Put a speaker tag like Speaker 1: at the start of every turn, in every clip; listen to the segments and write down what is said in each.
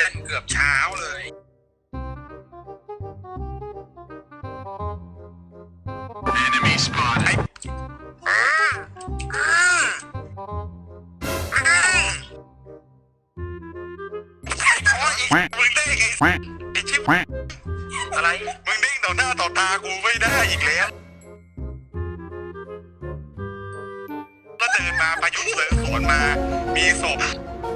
Speaker 1: ล่นเกือบเช้าเลยมึงได้ไงไอ้ชิบอะไรมึงเด้งต่อหน้าต่อตากูไม่ได้อีกแล้วก็เดินมาประยุทธ์เสือสวนมามีศพ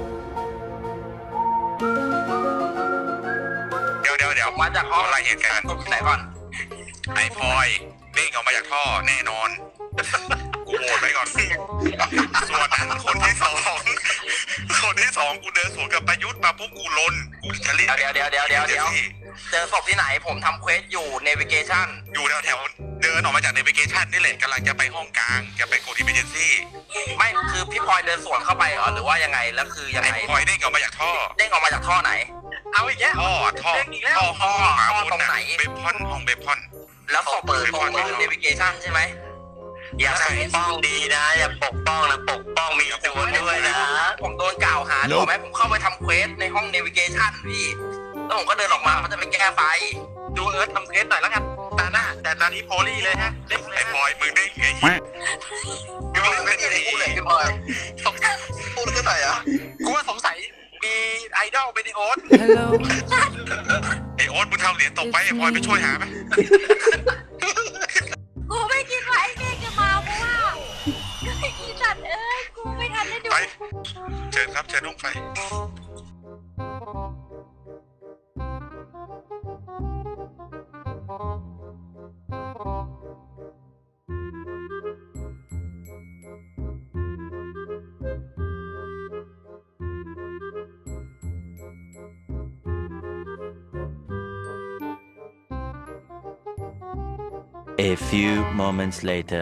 Speaker 1: เดี๋ยวมาจากห้องอะไรเหตุการณ์ไหนก่อนไอ้พลอยเด้งออกมาจากท่อแน่นอนกูโหวตไว้ก่อนส่วนนั้นคนที่สองกูเดินสวนกับประยุทธ์มาปุ๊บกูลนกูจะรีบเดี๋ยวเจอศพที่ไหนผมทำเควสอยู่เนวิเกชั่นอยู่แถวเดินออกมาจากเนวิเกชั่นนี่แหละกำลังจะไปห้องกลางจะไปโกดอิมเมอร์เจนซี่ไม่คือพี่พลอยเดินสวนเข้าไปเหรอหรือว่ายังไงแล้วคือยังไงพลอยเด้งออกมาจากท่อไหนเอาอีกแล้วท่อห้องหาตรงไหนเบพอนห้องเบพอนแล้วศพเปิดตรงเนวิเกชั่นใช่ไหมอย่าปกป้องดีนะอย่าปกป้องนะปกป้องมีตัวด้วยนะผมโดนกล่าวหาถูกไหมผมเข้าไปทำเควสในห้องเนวิเกชั่นพี่แล้วผมก็เดินออกมาเขาจะไปแก้ไฟดูเอิร์ธทำเควสหน่อยแล้วกันตาหน้าแต่ตานี้โพลี่เลยฮะไอ้พลอยมึงได้ไงพี่พลอยไม่ได้พูดเลยพี่พลอยสงสัยพูดเท่าไหร่อ่ะกูว่าสงสัยมีไอดอลเป็นไอโอ๊ตไอโอ๊ตมึงทำเหรียญตกไปไอพลอยไปช่วยหาไหม
Speaker 2: กูไม่คิดว่าไอ้เมฆจะมาเพราะว่าอีสัตว์เอ้ยกูไม่ทันได้ดู
Speaker 1: ไปเชิญครับเชิญลุงไฟ
Speaker 3: A few moments later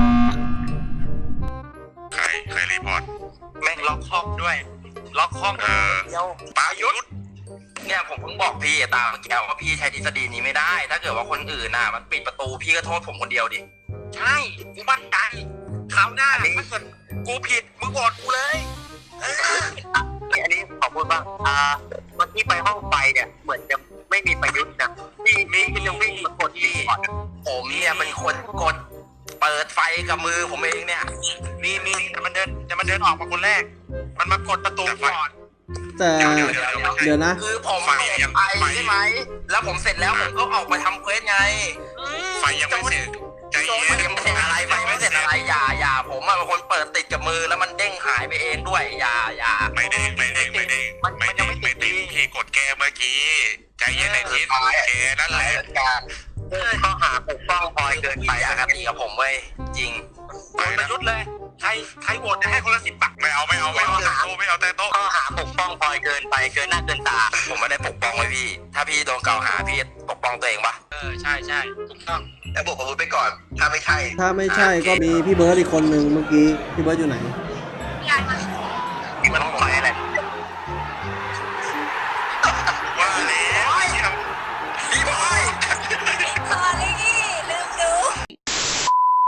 Speaker 1: ใครรีพอร์ต
Speaker 4: แม่งล็อกห้องด้วยล็อกห้อง
Speaker 1: เดียวประยุทธ์
Speaker 4: เนี่ยผมเพิ่งบอกพี่ตาเมื่อกี้ว่าพี่ใช้ทฤษฎีนี้ไม่ได้ถ้าเกิดว่าคนอื่นน่ะมันปิดประตูพี่ก็โทษผมคนเดียวดิ
Speaker 1: ใช่กูมั่นใจคราวหน้าถ้าเกิดกูผิดมึงบอกกูเลย
Speaker 4: อันนี้ขอพูดบ้างเมื่อกี้ไปห้องไฟเนี่ยเหมือนจะไม่มีประยุทธ์นะพี่ยังวิ่งมากดรีพอร์ตผมเนี่ยเป็นคนกดเปิดไฟกับมือผมเองเนี่ย
Speaker 1: มีแต่มันเดินออกมาคนแรกมันมากดประตูก่อน
Speaker 5: แต่เดี๋ยวนะ
Speaker 4: คือผมไปใช่ไหมแล้วผมเสร็จแล้วผมก็ออกไปทำเควสไง
Speaker 1: ไฟยังไม่เสร็จใจเย็น
Speaker 4: ยังไม่เสร็จอะไรไฟไม่เสร็จอะไรอย่าผมเป็นคนเปิดติดกับมือแล้วมันเด้งหายไปเองด้วยอย่า
Speaker 1: ไม่เด้งพี่กดแกเมื่อกี้ใจเย็นในทิศแกนั่นแหละ
Speaker 4: ก็หาปกป้องพลอยเกินไปอคติกับผมเว้ยจริง
Speaker 1: ประยุทธ์เลยใครโหวตให้คนละ10 บาทไม่เอาแต่โต๊ะไม่เอาแต่โต๊ะ
Speaker 4: ก็หาปกป้องพลอยเกินไปเกินหน้าเกินตาผมไม่ได้ปกป้องไว้พี่ถ้าพี่โดนกล่าวหาพี่ปกป้องตัวเองปะ
Speaker 1: ใช่ถูกต้อง
Speaker 4: แต่บอกผมไปก่อนถ้าไม่ใช่
Speaker 5: ก็มีพี่เบิร์ดอีกคนหนึ่งเมื่อกี้พี่เบิร์ดอยู่ไหน
Speaker 2: อยากมา